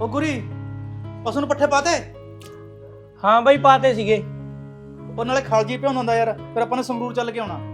ਉਹ ਗੁਰੀ ਪਸ਼ੂ ਨੂੰ ਪੱਠੇ ਪਾਤੇ? ਹਾਂ ਬਾਈ ਪਾਤੇ ਸੀਗੇ। ਉਹ ਨਾਲੇ ਖਾਲਜੀ ਭਿਉਂਦਾ ਹੁੰਦਾ ਯਾਰ, ਫਿਰ ਆਪਾਂ ਨੇ ਸੰਗਰੂਰ ਚੱਲ ਕੇ ਆਉਣਾ।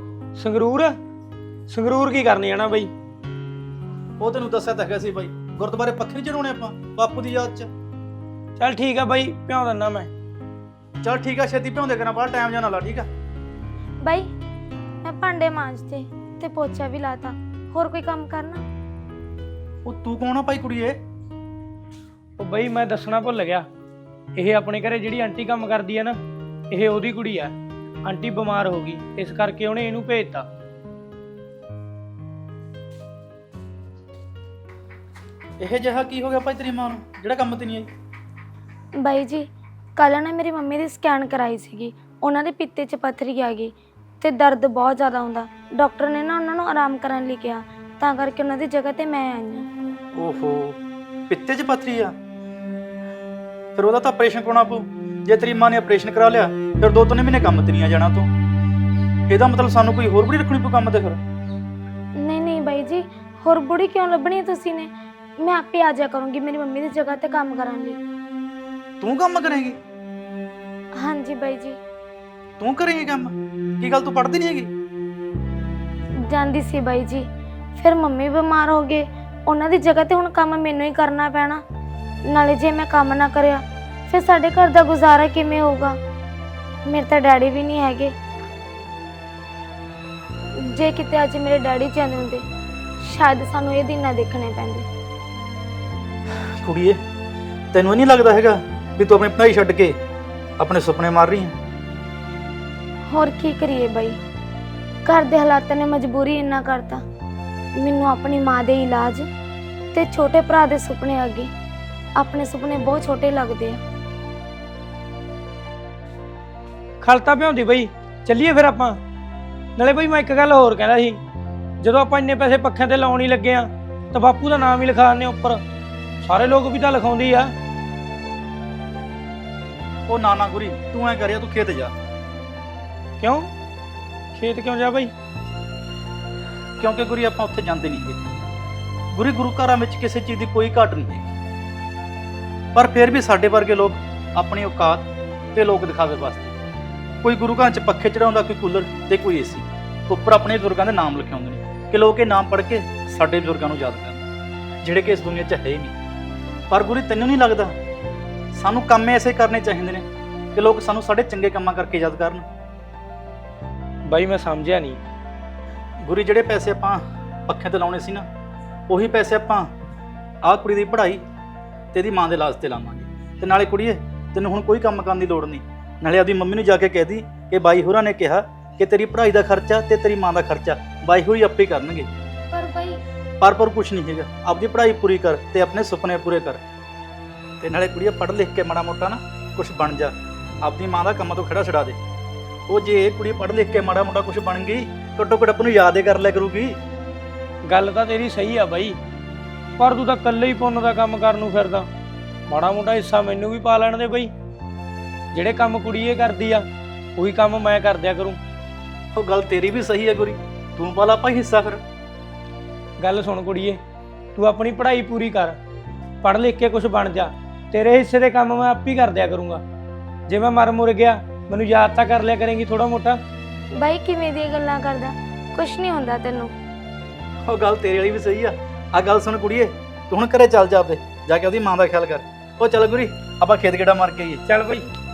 ਸੰਗਰੂਰ ਕੀ ਕਰਨੀ ਆ ਨਾ ਬਾਈ? ਉਹ ਤੈਨੂੰ ਦੱਸਿਆ ਤਾਂ ਹੈਗਾ ਸੀ ਬਾਈ, ਗੁਰਦੁਆਰੇ ਪੱਖੇ ਨਹੀਂ ਚੜਾਉਣੇ ਆਪਾਂ ਬਾਪੂ ਦੀ ਯਾਦ 'ਚ। ਚੱਲ ਠੀਕ ਆ ਬਾਈ, ਭਿਉਂ ਦਿੰਦਾ ਮੈਂ। ਚੱਲ ਠੀਕ ਆ, ਛੇਤੀ ਭਿਉਂਦੇ ਕਰਾਂ, ਬਾਹਰ ਟਾਈਮ ਜਾਣਾ ਲਾ। ਠੀਕ ਆ ਬਾਈ ਮੈਂ ਭਾਂਡੇ ਮਾਂਜਤੇ ਤੇ ਪੋਚਾ ਵੀ ਲਾਤਾ, ਹੋਰ ਕੋਈ ਕੰਮ ਕਰਨਾ? ਉਹ ਤੂੰ ਕੌਣ ਆ ਭਾਈ ਕੁੜੀਏ? ਉਹ ਬਾਈ ਮੈਂ ਦੱਸਣਾ ਭੁੱਲ ਗਿਆ, ਇਹ ਆਪਣੇ ਘਰੇ ਜਿਹੜੀ ਆਂਟੀ ਕੰਮ ਕਰਦੀ ਆ ਨਾ, ਇਹ ਉਹਦੀ ਕੁੜੀ ਆ। ਆਂਟੀ ਬਿਮਾਰ ਹੋ ਗਈ, ਇਸ ਕਰਕੇ ਉਹਨੇ ਇਹਨੂੰ ਭੇਜਤਾ। ਇਹ ਜਿਹਾ ਕੀ ਹੋ ਗਿਆ ਭਾਈ ਤੇਰੀ ਮਾਂ ਨੂੰ ਜਿਹੜਾ ਕੰਮ ਤੇ ਨਹੀਂ ਆਈ? ਬਾਈ ਜੀ ਕੱਲ੍ਹ ਨਾ ਮੇਰੀ ਮੰਮੀ ਦੀ ਸਕੈਨ ਕਰਾਈ ਸੀਗੀ, ਉਹਨਾਂ ਦੇ ਪਿੱਤੇ 'ਚ ਪੱਥਰੀ ਆ ਗਈ ਤੇ ਦਰਦ ਬਹੁਤ ਜ਼ਿਆਦਾ ਹੁੰਦਾ। ਡਾਕਟਰ ਨੇ ਨਾ ਉਹਨਾਂ ਨੂੰ ਆਰਾਮ ਕਰਨ ਲਈ ਕਿਹਾ, ਤਾਂ ਕਰਕੇ ਉਹਨਾਂ ਦੀ ਜਗ੍ਹਾ ਤੇ ਮੈਂ ਆਈ ਹਾਂ। ਓਹੋ, ਪਿੱਤੇ 'ਚ ਪੱਥਰੀ ਆ? ਫਿਰ ਉਹਦਾ ਤਾਂ ਆਪਰੇਸ਼ਨ ਕਰਾਉਣਾ ਪਊ। ਜੇ ਤੇਰੀ ਮਾਂ ਨੇ ਆਪਰੇਸ਼ਨ ਕਰਾ ਲਿਆ ਫਿਰ 2-3 ਮਹੀਨੇ ਕੰਮ ਤੇ ਨਹੀਂ ਆ ਜਾਣਾ ਤੂੰ। ਇਹਦਾ ਮਤਲਬ ਸਾਨੂੰ ਕੋਈ ਹੋਰ ਬੁੜੀ ਰੱਖਣੀ ਪਊ ਕੰਮ ਤੇ ਫਿਰ? ਨਹੀਂ ਬਾਈ ਜੀ, ਹੋਰ ਬੁੜੀ ਕਿਉਂ ਲੱਭਣੀ ਤੁਸੀਂ ਨੇ? ਮੈਂ ਆਪੇ ਆ ਜਾ ਕਰੂੰਗੀ ਮੇਰੀ ਮੰਮੀ ਦੀ ਜਗ੍ਹਾ ਤੇ ਕੰਮ ਕਰਨ ਲਈ। ਤੂੰ ਕੰਮ ਕਰੇਂਗੀ? ਹਾਂਜੀ ਬਾਈ ਜੀ। ਤੂੰ ਕਰੇਂਗੀ ਕੰਮ? ਕੀ ਗੱਲ ਤੂੰ ਪੜ੍ਹਦੀ ਨਹੀਂ ਹੈਗੀ? ਜਾਂਦੀ ਸੀ ਬਾਈ ਜੀ, ਫਿਰ ਮੰਮੀ ਬਿਮਾਰ ਹੋ ਗਏ, ਉਹਨਾਂ ਦੀ ਜਗ੍ਹਾ ਤੇ ਹੁਣ ਕੰਮ ਮੈਨੂੰ ਹੀ ਕਰਨਾ ਪੈਣਾ। ਨਾਲੇ ਜੇ ਮੈਂ ਕੰਮ ਨਾ ਕਰਿਆ ਫਿਰ ਸਾਡੇ ਘਰ ਦਾ ਗੁਜ਼ਾਰਾ ਕਿਵੇਂ ਹੋਊਗਾ? ਮੇਰੇ ਤਾਂ ਡੈਡੀ ਵੀ ਨਹੀਂ ਹੈਗੇ। ਜੇ ਕਿਤੇ ਅੱਜ ਮੇਰੇ ਡੈਡੀ ਜਾਂਦੇ ਹੁੰਦੇ, ਸ਼ਾਇਦ ਸਾਨੂੰ ਇਹ ਦਿਨ ਨਾ ਦੇਖਣੇ ਪੈਂਦੇ। ਕੁੜੀਏ, ਤੈਨੂੰ ਇਹ ਨਹੀਂ ਲੱਗਦਾ ਹੈਗਾ ਵੀ ਤੂੰ ਆਪਣੀ ਪੜ੍ਹਾਈ ਛੱਡ ਕੇ ਆਪਣੇ ਸੁਪਨੇ ਮਾਰ ਰਹੀ ਹੈ? ਹੋਰ ਕੀ ਕਰੀਏ ਬਾਈ, ਘਰ ਦੇ ਹਾਲਾਤਾਂ ਨੇ ਮਜਬੂਰੀ ਇੰਨਾ ਕਰਤਾ। ਮੈਨੂੰ ਆਪਣੀ ਮਾਂ ਦੇ ਇਲਾਜ ਤੇ ਛੋਟੇ ਭਰਾ ਦੇ ਸੁਪਨੇ ਅੱਗੇ ਆਪਣੇ ਸੁਪਨੇ ਬਹੁਤ ਛੋਟੇ ਲੱਗਦੇ ਆ। ਖਲਤਾ ਭਿਉਂਦੀ ਬਈ, ਚੱਲੀਏ ਫਿਰ ਆਪਾਂ। ਨਾਲੇ ਬਈ ਮੈਂ ਇੱਕ ਗੱਲ ਹੋਰ ਕਹਿੰਦਾ ਸੀ, ਜਦੋਂ ਆਪਾਂ ਇੰਨੇ ਪੈਸੇ ਪੱਖਿਆਂ ਤੇ ਲਾਉਣ ਹੀ ਲੱਗੇ ਆ ਤਾਂ ਬਾਪੂ ਦਾ ਨਾਮ ਹੀ ਲਿਖਾ ਦਿੰਦੇ ਉੱਪਰ, ਸਾਰੇ ਲੋਕ ਵੀ ਤਾਂ ਲਿਖਾਉਂਦੀ ਆ। ਉਹ ਨਾ ਗੁਰੀ, ਤੂੰ ਐ ਕਰਿਆ, ਤੂੰ ਖੇਤ ਜਾ। ਕਿਉਂ ਖੇਤ ਕਿਉਂ ਜਾ ਬਈ? ਕਿਉਂਕਿ ਗੁਰੀ ਆਪਾਂ ਉੱਥੇ ਜਾਂਦੇ ਨਹੀਂ ਹੈਗੇ। ਗੁਰੀ, ਗੁਰੂ ਘਰਾਂ ਵਿੱਚ ਕਿਸੇ ਚੀਜ਼ ਦੀ ਕੋਈ ਘਾਟ ਨਹੀਂ ਹੈਗੀ, ਪਰ ਫਿਰ ਵੀ ਸਾਡੇ ਵਰਗੇ ਲੋਕ ਆਪਣੀ ਔਕਾਤ ਤੇ ਲੋਕ ਦਿਖਾਵੇ ਵਾਸਤੇ ਕੋਈ ਗੁਰੂ ਘਰਾਂ 'ਚ ਪੱਖੇ ਚੜਾਉਂਦਾ, ਕੋਈ ਕੂਲਰ ਤੇ ਕੋਈ ਏਸੀ, ਉੱਪਰ ਆਪਣੇ ਬਜ਼ੁਰਗਾਂ ਦੇ ਨਾਮ ਲਿਖਾਉਂਦੇ ਨੇ ਕਿ ਲੋਕ ਇਹ ਨਾਮ ਪੜ੍ਹ ਕੇ ਸਾਡੇ ਬਜ਼ੁਰਗਾਂ ਨੂੰ ਯਾਦ ਕਰਨ, ਜਿਹੜੇ ਕਿ ਇਸ ਦੁਨੀਆ 'ਚ ਹੈ ਹੀ ਨਹੀਂ। ਪਰ ਗੁਰੀ, ਤੈਨੂੰ ਨਹੀਂ ਲੱਗਦਾ ਸਾਨੂੰ ਕੰਮ ਐਸੇ ਕਰਨੇ ਚਾਹੀਦੇ ਨੇ ਕਿ ਲੋਕ ਸਾਨੂੰ ਸਾਡੇ ਚੰਗੇ ਕੰਮਾਂ ਕਰਕੇ ਯਾਦ ਕਰਨ? ਬਾਈ ਮੈਂ ਸਮਝਿਆ ਨਹੀਂ। ਗੁਰੀ, ਜਿਹੜੇ ਪੈਸੇ ਆਪਾਂ ਪੱਖਿਆਂ ਤੇ ਲਾਉਣੇ ਸੀ ਨਾ, ਉਹੀ ਪੈਸੇ ਆਪਾਂ ਆਹ ਕੁੜੀ ਦੀ ਪੜ੍ਹਾਈ ਤੇ ਇਹਦੀ ਮਾਂ ਦੇ ਇਲਾਜ ਤੇ ਲਾਵਾਂਗੇ। ਤੇ ਨਾਲੇ ਕੁੜੀਏ, ਤੈਨੂੰ ਹੁਣ ਕੋਈ ਕੰਮ ਕਰਨ ਦੀ ਲੋੜ ਨਹੀਂ। ਨਾਲੇ ਆਪਦੀ ਮੰਮੀ ਨੂੰ ਜਾ ਕੇ ਕਹਿ ਦੀ ਕਿ ਬਾਈ ਹੋਰਾਂ ਨੇ ਕਿਹਾ ਕਿ ਤੇਰੀ ਪੜ੍ਹਾਈ ਦਾ ਖਰਚਾ ਤੇ ਤੇਰੀ ਮਾਂ ਦਾ ਖਰਚਾ ਬਾਈ ਹੋਰੀ ਆਪੇ ਹੀ ਕਰਨਗੇ। ਪਰ ਬਾਈ ਪਰ ਕੁਛ ਨਹੀਂ ਹੈਗਾ, ਆਪਦੀ ਪੜ੍ਹਾਈ ਪੂਰੀ ਕਰ ਤੇ ਆਪਣੇ ਸੁਪਨੇ ਪੂਰੇ ਕਰ। ਤੇ ਨਾਲੇ ਕੁੜੀਏ, ਪੜ੍ਹ ਲਿਖ ਕੇ ਮਾੜਾ ਮੋਟਾ ਨਾ ਕੁਛ ਬਣ ਜਾ, ਆਪਦੀ ਮਾਂ ਦਾ ਕੰਮਾਂ ਤੋਂ ਖੜਾ ਛਡਾ ਦੇ। ਉਹ ਜੇ ਇਹ ਕੁੜੀ ਪੜ੍ਹ ਲਿਖ ਕੇ ਮਾੜਾ ਮੋਟਾ ਕੁਛ ਬਣ ਗਈ, ਘੱਟੋ ਘੱਟ ਨੂੰ ਯਾਦ ਹੀ ਕਰ ਲਿਆ ਕਰੂਗੀ। ਗੱਲ ਤਾਂ ਤੇਰੀ ਸਹੀ ਆ ਬਾਈ, ਪਰ ਤੂੰ ਤਾਂ ਇਕੱਲੇ ਹੀ ਪੁੰਨ ਦਾ ਕੰਮ ਕਰਨ ਨੂੰ ਫਿਰਦਾ। ਮਾੜਾ ਮੋਟਾ ਹਿੱਸਾ ਮੈਨੂੰ ਵੀ ਪਾ ਲੈਣ ਦੇ ਬਈ। ਜਿਹੜੇ ਕੰਮ ਕੁੜੀ ਇਹ ਕਰਦੀ ਆ ਉਹੀ ਕੰਮ ਮੈਂ ਕਰ ਦਿਆ ਕਰੂੰ। ਉਹ ਗੱਲ ਤੇਰੀ ਵੀ ਸਹੀ ਹੈ ਗੁਰੀ, ਤੂੰ ਪਾ ਲਾ ਭਾਈ ਹਿੱਸਾ ਫਿਰ। ਗੱਲ ਸੁਣ ਕੁੜੀਏ, ਤੂੰ ਆਪਣੀ ਪੜ੍ਹਾਈ ਪੂਰੀ ਕਰ, ਪੜ੍ਹ ਲਿਖ ਕੇ ਕੁਝ ਬਣ ਜਾ। ਤੇਰੇ ਹਿੱਸੇ ਦੇ ਕੰਮ ਮੈਂ ਆਪ ਹੀ ਕਰ ਦਿਆ ਕਰੂੰਗਾ। ਜੇ ਮੈਂ ਮਰ ਮੁਰ ਗਿਆ, ਮੈਨੂੰ ਯਾਦ ਤਾਂ ਕਰ ਲਿਆ ਕਰੇਂਗੀ ਥੋੜਾ ਮੋਟਾ। ਬਾਈ ਕਿਵੇਂ ਦੀਆਂ ਗੱਲਾਂ ਕਰਦਾ? ਕੁਛ ਨਹੀਂ ਹੁੰਦਾ ਤੈਨੂੰ। ਉਹ ਗੱਲ ਤੇਰੇ ਵਾਲੀ ਵੀ ਸਹੀ ਆ। ਆਹ ਗੱਲ ਸੁਣ ਕੁੜੀਏ, ਤੂੰ ਹੁਣ ਘਰੇ ਚੱਲ ਜਾ, ਆਪਦੇ ਜਾ ਕੇ ਉਹਦੀ ਮਾਂ ਦਾ ਖਿਆਲ ਕਰ। ਉਹ ਚੱਲ ਗੁਰੀ, ਆਪਾਂ ਖੇਤ ਗੇੜਾ ਮਾਰ ਕੇ ਆਈਏ। ਚੱਲ ਬਈ।